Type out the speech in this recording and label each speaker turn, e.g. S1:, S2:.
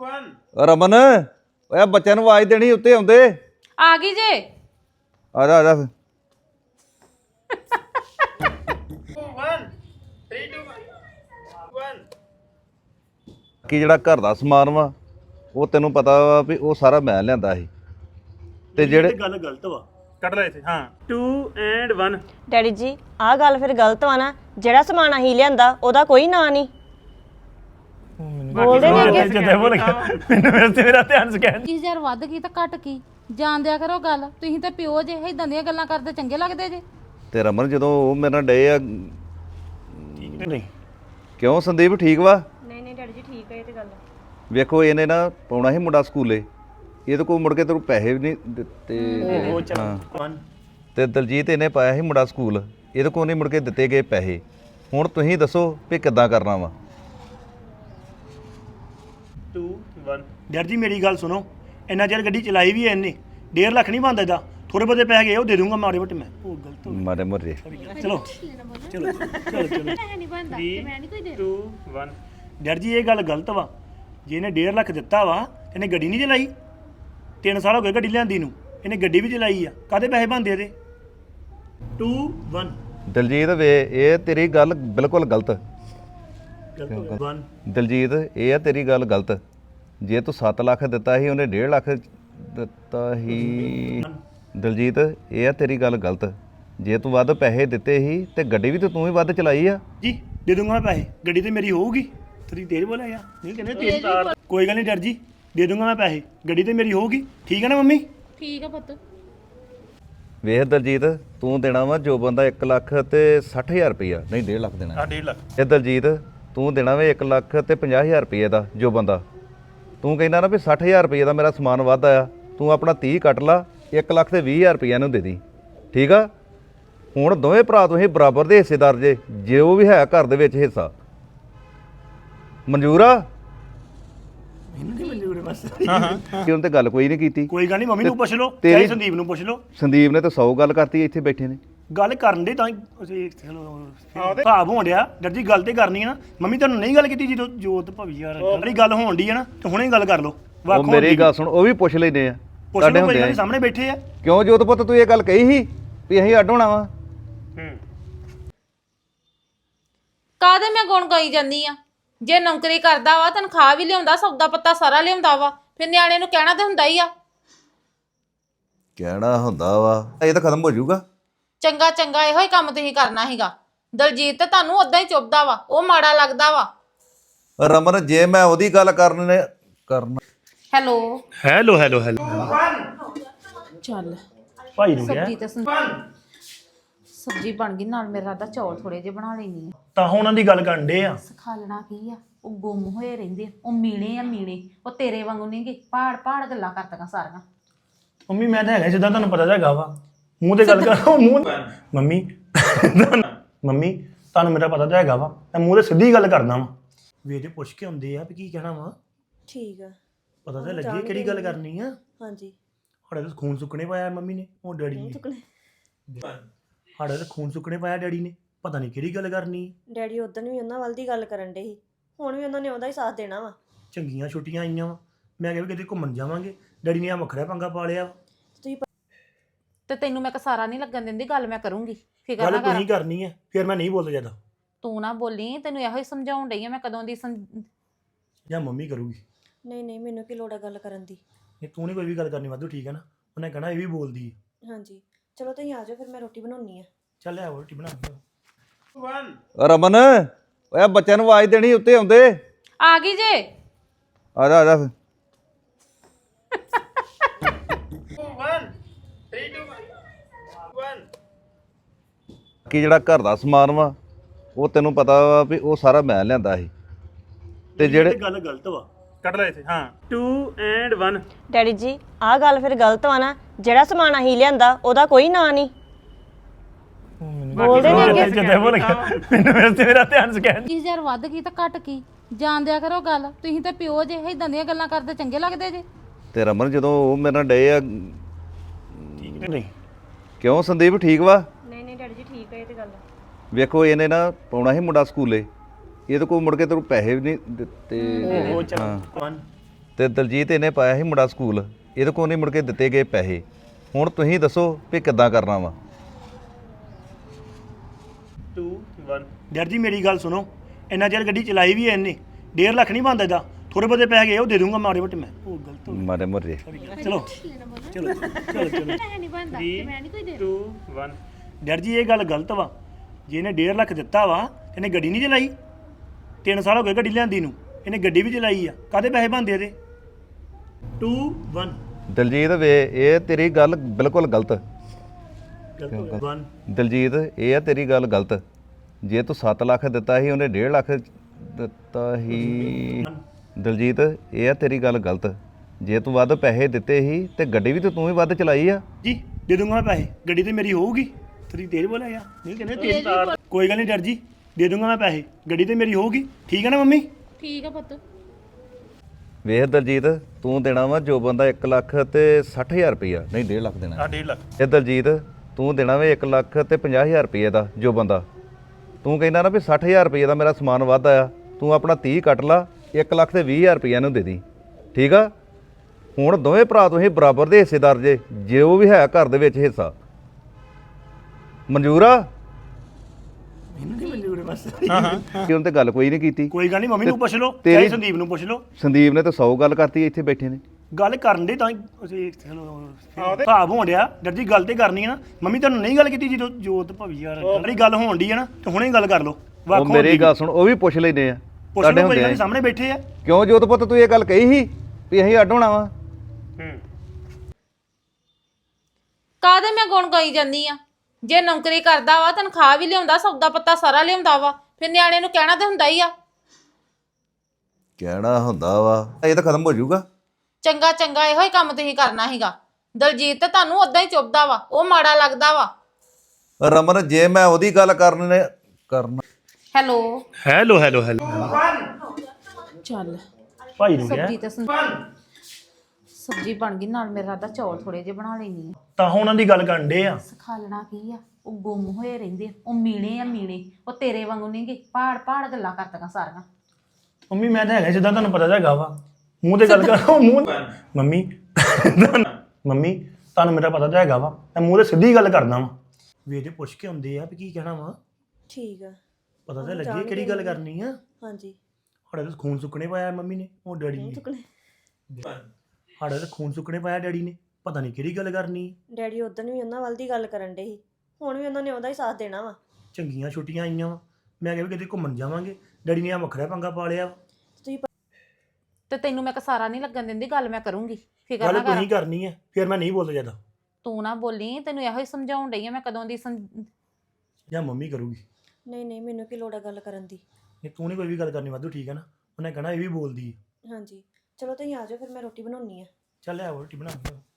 S1: ਰਮਨ ਓਏ ਬੱਚਿਆਂ ਨੂੰ ਆਵਾਜ਼ ਦੇਣੀ ਉੱਤੇ ਆਉਂਦੇ
S2: ਆ ਗਈ ਜੇ
S1: ਆ ਜਾ ਆ ਜਾ ਕੀ ਜਿਹੜਾ ਘਰ ਦਾ ਸਮਾਨ ਵਾ ਉਹ ਤੈਨੂੰ ਪਤਾ ਵਾ ਵੀ ਉਹ ਸਾਰਾ ਮੈਂ ਲਿਆਂਦਾ ਸੀ ਤੇ ਜਿਹੜੇ
S3: ਗੱਲ ਗਲਤ ਵਾ ਕੱਢ ਲੈ ਇੱਥੇ ਹਾਂ 2 ਐਂਡ 1
S4: ਡੈਡੀ ਜੀ ਆਹ ਗੱਲ ਫਿਰ ਗਲਤ ਵਾ ਨਾ ਜਿਹੜਾ ਸਮਾਨ ਅਸੀਂ ਲਿਆਂਦਾ ਉਹਦਾ ਕੋਈ ਨਾਂ ਨਹੀਂ ਬੋਲਦੇ ਨੇ ਅੱਗੇ
S3: ਜਿੱਦਾਂ ਬੋਲ ਗਿਆ ਮੈਨੂੰ ਵੈਸੇ ਮੇਰਾ ਧਿਆਨ ਸਕੈਨ
S2: 20000 ਵੱਧ ਕੀ ਤਾਂ ਘਟ ਕੀ ਜਾਣਦਿਆ ਕਰੋ ਗੱਲ ਤੁਸੀਂ ਤੇ ਪਿਓ ਜੇ ਇਦਾਂ ਦੀਆਂ ਗੱਲਾਂ ਕਰਦੇ ਚੰਗੇ ਲੱਗਦੇ ਜੇ
S1: ਤੇ ਰਮਨ ਜਦੋਂ ਉਹ ਮੇਰੇ ਨਾਲ ਡੇ ਆ
S3: ਨਹੀਂ
S1: ਕਿਉਂ ਸੰਦੀਪ ਠੀਕ ਵਾ
S4: ਨਹੀਂ ਡੈਡੀ ਜੀ ਠੀਕ ਹੈ ਇਹ ਤੇ ਗੱਲ
S1: ਵੇਖੋ ਇਹਨੇ ਨਾ ਪਾਉਣਾ ਸੀ ਮੁੰਡਾ ਸਕੂਲੇ ਇਹਦੇ ਕੋਲ ਮੁੜ ਕੇ ਤੈਨੂੰ ਪੈਸੇ ਵੀ ਨਹੀਂ ਦਿੱਤੇ
S3: ਉਹ ਚੱਲ 1
S1: ਤੇ ਦਲਜੀਤ ਇਹਨੇ ਪਾਇਆ ਸੀ ਮੁੰਡਾ ਸਕੂਲ ਇਹਦੇ ਕੋਲ ਨਹੀਂ ਮੁੜ ਕੇ ਦਿੱਤੇ ਗਏ ਪੈਸੇ ਹੁਣ ਤੁਸੀਂ ਦੱਸੋ ਵੀ ਕਿੱਦਾਂ ਕਰਨਾ ਵਾ
S3: 2 1 ਡਰ ਜੀ ਮੇਰੀ ਗੱਲ ਸੁਣੋ ਇੰਨਾ ਚਿਰ ਗੱਡੀ ਚਲਾਈ ਵੀ ਐ ਇਹਨੇ 1.5 ਲੱਖ ਨਹੀਂ ਬੰਦਾ ਇਹਦਾ ਥੋੜੇ ਬਹੁਤੇ ਪੈਸੇ ਗਏ ਉਹ ਦੇ ਦੂੰਗਾ ਮਾੜੇ ਮੋਟੇ ਮੈਂ ਉਹ ਗਲਤ ਹੋ
S1: ਮਾਰੇ ਮੁਰੇ
S3: ਗਿਆ ਚਲੋ ਚਲੋ ਚਲੋ ਨਹੀਂ ਬੰਦਾ ਮੈਂ ਨਹੀਂ ਕੋਈ ਦੇ 2 1 ਡਰ ਜੀ ਇਹ ਗੱਲ ਗਲਤ ਵਾ ਜੇ ਇਹਨੇ 1.5 ਲੱਖ ਦਿੱਤਾ ਵਾ ਇਹਨੇ ਗੱਡੀ ਨਹੀਂ ਚਲਾਈ 3 ਸਾਲ ਹੋ ਗਏ ਗੱਡੀ ਲਿਆਂਦੀ ਨੂੰ ਇਹਨੇ ਗੱਡੀ ਵੀ ਚਲਾਈ ਆ ਕਾਹਦੇ ਪੈਸੇ ਬੰਦੇ ਇਹਦੇ 2 1
S1: ਦਲਜੀਤ ਵੇ ਇਹ ਤੇਰੀ ਗੱਲ ਬਿਲਕੁਲ ਗਲਤ
S3: 1
S1: ਦਲਜੀਤ ਇਹ ਆ ਤੇਰੀ ਗੱਲ ਗਲਤ ਜੇ ਤੂੰ 7 ਲੱਖ ਦਿੱਤਾ ਸੀ ਉਹਨੇ 1.5 ਲੱਖ ਦਿੱਤਾ ਸੀ ਦਲਜੀਤ ਇਹ ਆ ਤੇਰੀ ਗੱਲ ਗਲਤ ਜੇ ਤੂੰ ਵੱਧ ਪੈਸੇ ਦਿੱਤੇ ਸੀ ਤੇ ਗੱਡੀ ਵੀ ਤਾਂ ਤੂੰ ਹੀ ਵੱਧ ਚਲਾਈ ਆ
S3: ਜੀ ਦੇ ਦੂੰਗਾ ਮੈਂ ਪੈਸੇ ਗੱਡੀ ਤੇ ਮੇਰੀ ਹੋਊਗੀ ਤੁਸੀਂ ਤੇਜ਼ ਬੋਲਿਆ ਯਾਰ ਨਹੀਂ ਕਹਿੰਦੇ ਤੇਜ਼ ਤਾਰ ਕੋਈ ਗੱਲ ਨਹੀਂ ਡਰ ਜੀ ਦੇ ਦੂੰਗਾ ਮੈਂ ਪੈਸੇ ਗੱਡੀ ਤੇ ਮੇਰੀ ਹੋਊਗੀ ਠੀਕ ਹੈ ਨਾ ਮੰਮੀ
S2: ਠੀਕ ਆ ਪੁੱਤ
S1: ਵੇਖ ਦਲਜੀਤ ਤੂੰ ਦੇਣਾ ਵਾ ਜੋ ਬੰਦਾ 1 ਲੱਖ ਤੇ 60000 ਰੁਪਈਆ ਨਹੀਂ 1.5 ਲੱਖ ਦੇਣਾ
S3: 1.5 ਲੱਖ
S1: ਇਹ ਦਲਜੀਤ ਤੂੰ ਦੇਣਾ ਵੇ 1 ਲੱਖ ਤੇ 50000 ਰੁਪਏ ਦਾ ਜੋ ਬੰਦਾ ਤੂੰ ਕਹਿੰਦਾ ਨਾ ਵੀ 60000 ਰੁਪਏ ਦਾ ਮੇਰਾ ਸਮਾਨ ਵੱਧ ਆਇਆ ਤੂੰ ਆਪਣਾ 30 ਕੱਟ ਲਾ 1 ਲੱਖ ਤੇ 20000 ਰੁਪਈਆ ਨੂੰ ਦੇ ਦੀ ਠੀਕ ਆ ਹੁਣ ਦੋਵੇਂ ਭਰਾ ਤੁਸੀਂ ਬਰਾਬਰ ਦੇ ਹਿੱਸੇਦਾਰ ਜੇ ਜੋ ਵੀ ਹੈ ਘਰ ਦੇ ਵਿੱਚ ਹਿੱਸਾ ਮਨਜ਼ੂਰ ਆ
S3: ਮੈਨੂੰ ਨਹੀਂ ਮਨਜ਼ੂਰ ਬਸ
S1: ਕਿ ਉਹਨੇ ਤੇ ਗੱਲ ਕੋਈ ਨਹੀਂ ਕੀਤੀ
S3: ਕੋਈ ਗੱਲ ਨਹੀਂ ਮੰਮੀ ਨੂੰ ਪੁੱਛ ਲਓ
S1: ਤੇਰੀ-
S3: ਚਾਹੇ ਸੰਦੀਪ ਨੂੰ ਪੁੱਛ ਲਓ
S1: ਸੰਦੀਪ ਨੇ ਤਾਂ 100 ਗੱਲ ਕਰਤੀ ਇੱਥੇ ਬੈਠੇ ਨੇ
S3: ਗੱਲ ਕਰਨ ਦੇ ਤਾਂ ਹੀ ਅਸੀਂ ਭਾਵ ਹੋਣ ਡਿਆ ਡਰ ਜੀ ਗੱਲ ਤੇ ਕਰਨੀ ਹੈ ਨਾ ਮੰਮੀ ਤੁਹਾਨੂੰ ਨਹੀਂ ਗੱਲ ਕੀਤੀ ਜਦੋਂ ਜੋਤ ਭਵੀ ਯਾਰ ਜਿਹੜੀ ਗੱਲ ਹੋਣ ਡਈ ਹੈ ਨਾ ਤੇ ਹੁਣੇ ਗੱਲ ਕਰ ਲਓ
S1: ਉਹ ਮੇਰੀ ਗੱਲ ਸੁਣ ਉਹ ਵੀ ਪੁੱਛ ਲੈਨੇ ਆ
S3: ਪੁੱਛ ਲਓ ਕੋਈ ਗੱਲ ਨੀ, ਸਾਹਮਣੇ ਬੈਠੇ ਆ
S1: ਕਿਉਂ ਜੋਤ ਪੁੱਤ ਤੂੰ ਇਹ ਗੱਲ ਕਹੀ ਸੀ ਵੀ ਅਸੀਂ ਅੱਡ ਹੋਣਾ ਵਾ
S2: ਕਾਹਦੇ ਮੈਂ ਗੁਣ ਗਾਈ ਜਾਂਦੀ ਆ ਜੇ ਨੌਕਰੀ ਕਰਦਾ ਵਾ ਤਨਖਾਹ ਵੀ ਲਿਆਉਂਦਾ ਸੌਦਾ ਪੱਤਾ ਸਾਰਾ ਲਿਆਉਂਦਾ ਵਾ ਫਿਰ ਨਿਆਣੇ ਨੂੰ ਕਹਿਣਾ ਤੇ ਹੁੰਦਾ ਹੀ ਆ
S1: ਕਹਿਣਾ ਹੁੰਦਾ ਵਾ ਇਹ ਤਾਂ ਖਤਮ ਹੋ ਜਾਊਗਾ
S2: ਚੰਗਾ ਚੰਗਾ ਇਹੋ ਹੀ ਕੰਮ ਤੁਸੀਂ ਕਰਨਾ ਸੀਗਾ ਦਲਜੀਤ ਤੇ ਤੁਹਾਨੂੰ ਉਦਾਂ ਹੀ ਚੁੱਭਦਾ ਵਾ ਉਹ ਮਾੜਾ ਲੱਗਦਾ ਵਾ
S1: ਰਮਨ ਜੇ ਮੈਂ ਉਹਦੀ ਗੱਲ ਕਰਨਾ
S2: ਹੈਲੋ
S3: ਹੈਲੋ ਹੈਲੋ ਹੈਲੋ
S2: ਚੱਲ
S3: ਭਾਈ ਨੂੰ ਗਿਆ
S2: ਸਬਜ਼ੀ ਤੇ ਸਬਜ਼ੀ ਬਣ ਗਈ ਨਾਲ ਮੇਰਾ ਰਾਦਾ ਚੌਲ ਥੋੜੇ ਜਿਹੇ ਬਣਾ ਲੈਣੀ ਆ
S3: ਤਾਂ ਹੁਣ ਉਹਨਾਂ ਦੀ ਗੱਲ ਕਰਨ ਡੇ ਆ
S2: ਸਿਖਾ ਲੈਣਾ ਕੀ ਆ ਉਹ ਗੁੰਮ ਹੋਏ ਰਹਿੰਦੇ ਆ ਉਹ ਮੀਣੇ ਆ ਮੀਣੇ ਉਹ ਤੇਰੇ ਵਾਂਗੂ ਨਹੀਂਗੇ ਪਹਾੜ ਪਹਾੜ ਗੱਲਾਂ ਕਰਦੀਆਂ ਸਾਰੀਆਂ
S3: ਮੰਮੀ ਮੈਂ ਤਾਂ ਹੈਗਾ ਸਿੱਧਾ ਤੁਹਾਨੂੰ ਪਤਾ ਤਾਂ ਹੈਗਾ ਵਾ ਮੂੰਹ ਤੇ ਗੱਲ ਕਰੋ ਮੂੰਹ ਮੰਮੀ ਮੰਮੀ ਤੁਹਾਨੂੰ ਮੇਰਾ ਪਤਾ ਤਾਂ ਹੈਗਾ ਵਾ ਮੈਂ ਮੂੰਹ ਤੇ ਸਿੱਧੀ ਗੱਲ ਕਰਦਾ ਵਾਂ ਵੀ ਇਹਦੇ ਪੁੱਛ ਕੇ ਹੁੰਦੇ ਆ ਵੀ ਕੀ ਕਹਿਣਾ ਵਾ
S4: ਠੀਕ ਆ
S3: ਪਤਾ ਤਾਂ ਲੱਗੇ ਕਿਹੜੀ ਗੱਲ ਕਰਨੀ ਆ
S4: ਹਾਂਜੀ
S3: ਸਾਡੇ ਤਾਂ ਖੂਨ ਸੁੱਕਣੇ ਪਾਇਆ ਮੰਮੀ ਨੇ ਉਹ ਡੈਡੀ ਨੇ ਸਾਡੇ ਤਾਂ ਖੂਨ ਸੁੱਕਣੇ ਪਾਇਆ ਡੈਡੀ ਨੇ ਪਤਾ ਨਹੀਂ ਕਿਹੜੀ ਗੱਲ ਕਰਨੀ
S4: ਡੈਡੀ ਉਦੋਂ ਵੀ ਉਹਨਾਂ ਵੱਲ ਦੀ ਗੱਲ ਕਰਨ ਡੇ ਸੀ ਹੁਣ ਵੀ ਉਹਨਾਂ ਨੇ ਉਹਦਾ ਹੀ ਸਾਥ ਦੇਣਾ ਵਾ
S3: ਚੰਗੀਆਂ ਛੁੱਟੀਆਂ ਆਈਆਂ ਵਾ ਮੈਂ ਕਿਹਾ ਵੀ ਕਿਤੇ ਘੁੰਮਣ ਜਾਵਾਂਗੇ ਡੈਡੀ ਨੇ ਆ ਵੱਖਰਾ ਪੰਗਾ ਪਾ ਲਿਆ
S4: ਤੁਸੀਂ
S2: ਤੇ ਤੈਨੂੰ ਮੈਂ ਕਸਾਰਾ ਨਹੀਂ ਲੱਗਣ ਦਿੰਦੀ ਗੱਲ ਮੈਂ ਕਰੂੰਗੀ ਫਿਕਰ
S3: ਗੱਲ
S2: ਨਾ ਕਰ
S3: ਤੁਸੀਂ ਕਰਨੀ ਹੈ ਫਿਰ ਮੈਂ ਨਹੀਂ ਬੋਲਦਾ ਜ਼ਿਆਦਾ
S2: ਤੂੰ ਨਾ ਬੋਲੀ ਤੈਨੂੰ ਇਹੋ ਹੀ ਸਮਝਾਉਣ ਡਈ ਆ ਮੈਂ ਕਦੋਂ ਦੀ
S3: ਜਾਂ ਮੰਮੀ ਕਰੂਗੀ
S4: ਨਹੀਂ ਮੈਨੂੰ ਕੀ ਲੋੜ ਆ ਗੱਲ ਕਰਨ ਦੀ
S3: ਨਹੀਂ ਤੂੰ ਨਹੀਂ ਕੋਈ ਵੀ ਗੱਲ ਕਰਨੀ ਵਾਧੂ ਠੀਕ ਹੈ ਨਾ ਉਹਨੇ ਕਹਿਣਾ ਇਹ ਵੀ ਬੋਲਦੀ ਹੈ
S4: ਹਾਂਜੀ ਚਲੋ ਤੁਸੀਂ ਆ ਜਾਓ ਫਿਰ ਮੈਂ ਰੋਟੀ ਬਣਾਉਣੀ ਆ
S3: ਚੱਲ ਆ ਰੋਟੀ ਬਣਾ ਕੇ
S1: ਰਮਨ ਓਏ ਬੱਚਿਆਂ ਨੂੰ ਆਵਾਜ਼ ਦੇਣੀ ਉੱਤੇ ਆਉਂਦੇ
S2: ਆ ਗਈ ਜੇ
S1: ਆ ਜਾ ਆ ਜਾ ਕੀ ਜਿਹੜਾ ਘਰ ਦਾ ਸਮਾਨ ਵਾ ਉਹ ਤੈਨੂੰ ਪਤਾ ਵਾ ਵੀ ਉਹ ਸਾਰਾ ਮੈਂ ਲਿਆਂਦਾ ਸੀ ਤੇ ਜਿਹੜੇ
S3: ਗੱਲ ਗਲਤ ਵਾ ਕੱਢ ਲੈ ਇੱਥੇ ਹਾਂ 2 ਐਂਡ 1
S4: ਡੈਡੀ ਜੀ ਆਹ ਗੱਲ ਫਿਰ ਗਲਤ ਵਾ ਨਾ ਜਿਹੜਾ ਸਮਾਨ ਅਸੀਂ ਲਿਆਂਦਾ ਉਹਦਾ ਕੋਈ ਨਾਂ ਨਹੀਂ ਬੋਲਦੇ ਨੇ ਅੱਗੇ
S3: ਜਿੱਦਾਂ ਬੋਲ ਗਿਆ ਮੈਨੂੰ ਵੈਸੇ ਮੇਰਾ ਧਿਆਨ ਸਕੈਨ
S2: 20000 ਵੱਧ ਕੀ ਤਾਂ ਘਟ ਕੀ ਜਾਣਦਿਆ ਕਰੋ ਗੱਲ ਤੁਸੀਂ ਤੇ ਪਿਓ ਜੇ ਇਦਾਂ ਦੀਆਂ ਗੱਲਾਂ ਕਰਦੇ ਚੰਗੇ ਲੱਗਦੇ ਜੇ
S1: ਤੇ ਰਮਨ ਜਦੋਂ ਉਹ ਮੇਰੇ ਨਾਲ ਡੇ ਆ
S3: ਠੀਕ ਨਹੀਂ
S1: ਕਿਉਂ ਸੰਦੀਪ ਠੀਕ ਵਾ
S4: ਨਹੀਂ ਡੈਡੀ ਜੀ ਠੀਕ ਹੈ ਇਹ ਤੇ ਗੱਲ
S1: ਵੇਖੋ ਇਹਨੇ ਨਾ ਪਾਉਣਾ ਸੀ ਮੁੰਡਾ ਸਕੂਲੇ ਇਹਦੇ ਕੋਲ ਮੁੜ ਕੇ ਤੈਨੂੰ ਪੈਸੇ ਵੀ ਨਹੀਂ ਦਿੱਤੇ
S3: ਉਹ ਚੱਲ 1
S1: ਤੇ ਦਲਜੀਤ ਇਹਨੇ ਪਾਇਆ ਸੀ ਮੁੰਡਾ ਸਕੂਲ, ਇਹਦੇ ਕੋਲ ਨਹੀਂ ਮੁੜ ਕੇ ਦਿੱਤੇ ਗਏ ਪੈਸੇ। ਹੁਣ ਤੁਸੀਂ ਦੱਸੋ ਵੀ ਕਿੱਦਾਂ ਕਰਨਾ ਵਾ।
S3: 2 1 ਡੈਡ ਜੀ ਮੇਰੀ ਗੱਲ ਸੁਣੋ, ਇੰਨਾ ਚਿਰ ਗੱਡੀ ਚਲਾਈ ਵੀ ਐ ਇਹਨੇ, 1.5 ਲੱਖ ਨਹੀਂ ਬਣਦਾ ਇਹਦਾ, ਥੋੜੇ ਬਹੁਤੇ ਪੈਸੇ ਗਏ ਉਹ ਦੇ ਦੂੰਗਾ ਮਾੜੇ ਮੋਟੇ ਮੈਂ। ਉਹ ਗਲਤ ਹੋ
S1: ਮਾਰੇ ਮੁਰੇ
S3: ਗਿਆ। ਚਲੋ ਚਲੋ ਚਲੋ ਚਲੋ 2 1 ਡੈਡ ਜੀ ਇਹ ਗੱਲ ਗਲਤ ਵਾ। ਜੇ ਇਹਨੇ 1.5 ਲੱਖ ਦਿੱਤਾ ਵਾ ਇਹਨੇ ਗੱਡੀ ਨਹੀਂ ਚਲਾਈ, 3 ਸਾਲ ਹੋ ਗਏ ਗੱਡੀ ਲਿਆਂਦੀ ਨੂੰ, ਇਹਨੇ ਗੱਡੀ ਵੀ ਚਲਾਈ ਆ, ਕਾਹਦੇ ਪੈਸੇ ਬਣਦੇ ਇਹਦੇ। 2 1
S1: ਦਲਜੀਤ ਵੇ ਇਹ ਤੇਰੀ ਗੱਲ ਬਿਲਕੁਲ ਗਲਤ।
S3: ਗਲਤ ਹੋ ਗਿਆ। 1
S1: ਦਲਜੀਤ ਇਹ ਆ ਤੇਰੀ ਗੱਲ ਗਲਤ। ਜੇ ਤੂੰ 7 ਲੱਖ ਦਿੱਤਾ ਸੀ ਉਹਨੇ 1.5 ਲੱਖ ਦਿੱਤਾ ਸੀ। ਦਲਜੀਤ ਇਹ ਆ ਤੇਰੀ ਗੱਲ ਗਲਤ। ਜੇ ਤੂੰ ਵੱਧ ਪੈਸੇ ਦਿੱਤੇ ਸੀ ਤੇ ਗੱਡੀ ਵੀ ਤਾਂ ਤੂੰ ਹੀ ਵੱਧ ਚਲਾਈ ਆ।
S3: ਜੀ ਦੇ ਦੂੰਗਾ ਮੈਂ ਪੈਸੇ, ਗੱਡੀ ਤੇ ਮੇਰੀ ਹੋਊਗੀ। ਤੇਰੀ ਤੇਜ਼ ਬੋਲਿਆ ਯਾਰ, ਨਹੀਂ ਕਹਿੰਦੇ ਤੇਜ਼ ਤਾਰ। ਕੋਈ ਗੱਲ ਨਹੀਂ ਡਰ ਜੀ, ਦੇ ਦੂੰਗਾ ਮੈਂ ਪੈਸੇ, ਗੱਡੀ ਤੇ ਮੇਰੀ ਹੋਊਗੀ। ਠੀਕ ਹੈ ਨਾ ਮੰਮੀ?
S2: ਠੀਕ ਆ ਪੁੱਤ।
S1: ਵੇਖ ਦਲਜੀਤ ਤੂੰ ਦੇਣਾ ਵਾ ਜੋ ਬੰਦਾ 1 ਲੱਖ ਤੇ 60,000 ਰੁਪਈਆ, ਨਹੀਂ 1.5 ਲੱਖ ਦੇਣਾ।
S3: 1.5 ਲੱਖ।
S1: ਇਹ ਦਲਜੀਤ ਤੂੰ ਦੇਣਾ ਵੇ 1 ਲੱਖ ਤੇ 50,000 ਰੁਪਏ ਦਾ ਜੋ ਬੰਦਾ। ਤੂੰ ਕਹਿੰਦਾ ਨਾ ਵੀ 60,000 ਰੁਪਏ ਦਾ ਮੇਰਾ ਸਮਾਨ ਵੱਧ ਆਇਆ, ਤੂੰ ਆਪਣਾ 30 ਕੱਟ ਲਾ, 1 ਲੱਖ ਤੇ 20,000 ਰੁਪਈਆ ਨੂੰ ਦੇ ਦੀ। ਠੀਕ ਆ? ਹੁਣ ਦੋਵੇਂ ਭਰਾ ਤੁਸੀਂ ਬਰਾਬਰ ਦੇ ਹਿੱਸੇਦਾਰ ਜੇ, ਜੋ ਵੀ ਹੈ ਘਰ ਦੇ ਵਿੱਚ ਹਿੱਸਾ ਮਨਜ਼ੂਰ ਆ।
S3: ਮੈਨੂੰ ਨਹੀਂ ਮਨਜ਼ੂਰ ਬਸ।
S1: ਕਿਉਂ ਤੇ ਗੱਲ ਕੋਈ ਨਹੀਂ ਕੀਤੀ।
S3: ਕੋਈ ਗੱਲ ਨਹੀਂ, ਮੰਮੀ ਨੂੰ ਪੁੱਛ ਲਓ,
S1: ਤੇਰੀ-
S3: ਚਾਹੇ ਸੰਦੀਪ ਨੂੰ ਪੁੱਛ ਲਓ।
S1: ਸੰਦੀਪ ਨੇ ਤਾਂ 100 ਗੱਲ ਕਰਤੀ ਇੱਥੇ ਬੈਠੇ ਨੇ।
S3: ਗੱਲ ਕਰਨ ਦੇ ਤਾਂ ਹੀ ਅਸੀਂ ਭਾਵ ਹੋਣ ਡਿਆ। ਡਰ ਜੀ ਗੱਲ ਤੇ ਕਰਨੀ ਹੈ ਨਾ। ਮੰਮੀ ਤੁਹਾਨੂੰ ਨਹੀਂ ਗੱਲ ਕੀਤੀ ਜਦੋਂ ਜੋਤ ਭਵੀ ਯਾਰ ਜਿਹੜੀ ਗੱਲ ਹੋਣ ਡਈ ਹੈ ਨਾ, ਤੇ ਹੁਣੇ ਗੱਲ ਕਰ ਲਓ।
S1: ਉਹ ਮੇਰੀ ਗੱਲ ਸੁਣ, ਉਹ ਵੀ ਪੁੱਛ ਲੈਨੇ ਆ
S3: ਪੁੱਛ ਲਓ, ਕੋਈ ਗੱਲ ਨੀ, ਸਾਹਮਣੇ ਬੈਠੇ ਆ।
S1: ਕਿਉਂ ਜੋਤ ਪੁੱਤ ਤੂੰ ਇਹ ਗੱਲ ਕਹੀ ਸੀ ਵੀ ਅਸੀਂ ਅੱਡ ਹੋਣਾ ਵਾ?
S2: ਕਾਹਦੇ ਮੈਂ ਗੁਣ ਗਾਈ ਜਾਂਦੀ ਆ? ਜੇ ਨੌਕਰੀ ਕਰਦਾ ਵਾ ਤਨਖਾਹ ਵੀ ਲਿਆਉਂਦਾ, ਸੌਦਾ ਪੱਤਾ ਸਾਰਾ ਲਿਆਉਂਦਾ ਵਾ, ਫਿਰ ਨਿਆਣੇ ਨੂੰ ਕਹਿਣਾ ਤੇ ਹੁੰਦਾ ਹੀ ਆ।
S1: ਕਹਿਣਾ ਹੁੰਦਾ ਵਾ, ਇਹ ਤਾਂ ਖਤਮ ਹੋ ਜਾਊਗਾ।
S2: ਚੰਗਾ ਚੰਗਾ ਇਹੋ ਹੀ ਕੰਮ ਤੁਸੀਂ ਕਰਨਾ ਸੀਗਾ। ਦਲਜੀਤ ਤੇ ਤੁਹਾਨੂੰ ਉਦਾਂ ਹੀ ਚੁੱਭਦਾ ਵਾ, ਉਹ ਮਾੜਾ ਲੱਗਦਾ ਵਾ।
S1: ਰਮਨ ਜੇ ਮੈਂ ਉਹਦੀ ਗੱਲ ਕਰਨਾ
S2: ਹੈਲੋ
S3: ਹੈਲੋ ਹੈਲੋ ਹੈਲੋ
S2: ਚੱਲ
S3: ਭਾਈ ਨੂੰ ਗਿਆ
S2: ਸਬਜ਼ੀ ਤਾਂ ਸਬਜ਼ੀ ਬਣ ਗਈ, ਨਾਲ ਮੇਰਾ ਰਾਦਾ ਚੌਲ ਥੋੜੇ ਜਿਹੇ ਬਣਾ ਲੈਣੀ ਆ।
S3: ਤਾਂ ਹੁਣ ਉਹਨਾਂ ਦੀ ਗੱਲ ਕਰਨ ਡੇ ਆ।
S2: ਸਿਖਾਲਣਾ ਕੀ ਆ, ਉਹ ਗੁੰਮ ਹੋਏ ਰਹਿੰਦੇ ਆ, ਉਹ ਮੀਣੇ ਆ ਮੀਣੇ, ਉਹ ਤੇਰੇ ਵਾਂਗੂ ਨਹੀਂ ਗੇ ਪਹਾੜ ਪਹਾੜ ਗੱਲਾਂ ਕਰਦੀਆਂ ਸਾਰੀਆਂ।
S3: ਮੰਮੀ ਮੈਂ ਤਾਂ ਹੈਗਾ ਸਿੱਧਾ, ਤੁਹਾਨੂੰ ਪਤਾ ਤਾਂ ਹੈਗਾ ਵਾ, ਮੂੰਹ ਤੇ ਗੱਲ ਕਰੋ ਮੂੰਹ। ਮੰਮੀ ਮੰਮੀ ਤੁਹਾਨੂੰ ਮੇਰਾ ਪਤਾ ਤਾਂ ਹੈਗਾ ਵਾ, ਮੈਂ ਮੂੰਹ ਤੇ ਸਿੱਧੀ ਗੱਲ ਕਰਦਾ ਵਾਂ। ਵੀ ਇਹਦੇ ਪੁੱਛ ਕੇ ਆਉਂਦੇ ਆ ਵੀ ਕੀ ਕਹਿਣਾ ਵਾ।
S4: ਠੀਕ ਆ।
S3: ਪਤਾ ਤਾਂ ਲੱਗੇ ਕਿਹੜੀ ਗੱਲ ਕਰਨੀ ਆ।
S4: ਹਾਂਜੀ।
S3: ਸਾਡੇ ਤਾਂ ਖੂਨ ਸੁੱਕਣੇ ਪਾਇਆ ਮੰਮੀ ਨੇ, ਉਹ ਡੈਡੀ ਨੇ। ਸਾਡੇ ਤਾਂ ਖੂਨ ਸੁੱਕਣੇ ਪਾਇਆ ਡੈਡੀ ਨੇ, ਪਤਾ ਨਹੀਂ ਕਿਹੜੀ ਗੱਲ ਕਰਨੀ।
S4: ਡੈਡੀ ਉਦੋਂ ਵੀ ਉਹਨਾਂ ਵੱਲ ਦੀ ਗੱਲ ਕਰਨ ਡੇ ਸੀ, ਹੁਣ ਵੀ ਉਹਨਾਂ ਨੇ ਉਹਦਾ ਹੀ ਸਾਥ ਦੇਣਾ ਵਾ।
S3: ਚੰਗੀਆਂ ਛੁੱਟੀਆਂ ਆਈਆਂ ਵਾ, ਮੈਂ ਕਿਹਾ ਵੀ ਕਿਤੇ ਘੁੰਮਣ ਜਾਵਾਂਗੇ, ਡੈਡੀ ਨੇ ਆ ਵੱਖਰਾ ਪੰਗਾ ਪਾ ਲਿਆ।
S4: ਤੁਸੀਂ
S2: ਤੇ ਤੈਨੂੰ ਮੈਂ ਕਸਾਰਾ ਨਹੀਂ ਲੱਗਣ ਦਿੰਦੀ, ਗੱਲ ਮੈਂ ਕਰੂੰਗੀ, ਫਿਕਰ
S3: ਗੱਲ
S2: ਨਾ ਕਰ।
S3: ਤੁਸੀਂ ਕਰਨੀ ਹੈ, ਫਿਰ ਮੈਂ ਨਹੀਂ ਬੋਲਦਾ ਜ਼ਿਆਦਾ।
S2: ਤੂੰ ਨਾ ਬੋਲੀ, ਤੈਨੂੰ ਇਹੋ ਹੀ ਸਮਝਾਉਣ ਡਈ ਆ ਮੈਂ ਕਦੋਂ ਦੀ
S3: ਜਾਂ ਮੰਮੀ ਕਰੂਗੀ।
S4: ਨਹੀਂ ਨਹੀਂ, ਮੈਨੂੰ ਕੀ ਲੋੜ ਆ ਗੱਲ ਕਰਨ ਦੀ।
S3: ਨਹੀਂ ਤੂੰ ਨਹੀਂ ਕੋਈ ਵੀ ਗੱਲ ਕਰਨੀ ਵਾਧੂ, ਠੀਕ ਹੈ ਨਾ? ਉਹਨੇ ਕਹਿਣਾ ਇਹ ਵੀ ਬੋਲਦੀ ਹੈ।
S4: ਹਾਂਜੀ ਚਲੋ ਤੁਸੀਂ ਆ ਜਾਓ, ਫਿਰ ਮੈਂ ਰੋਟੀ ਬਣਾਉਣੀ ਆ।
S3: ਚੱਲ ਆ ਰੋਟੀ ਬਣਾ ਕੇ।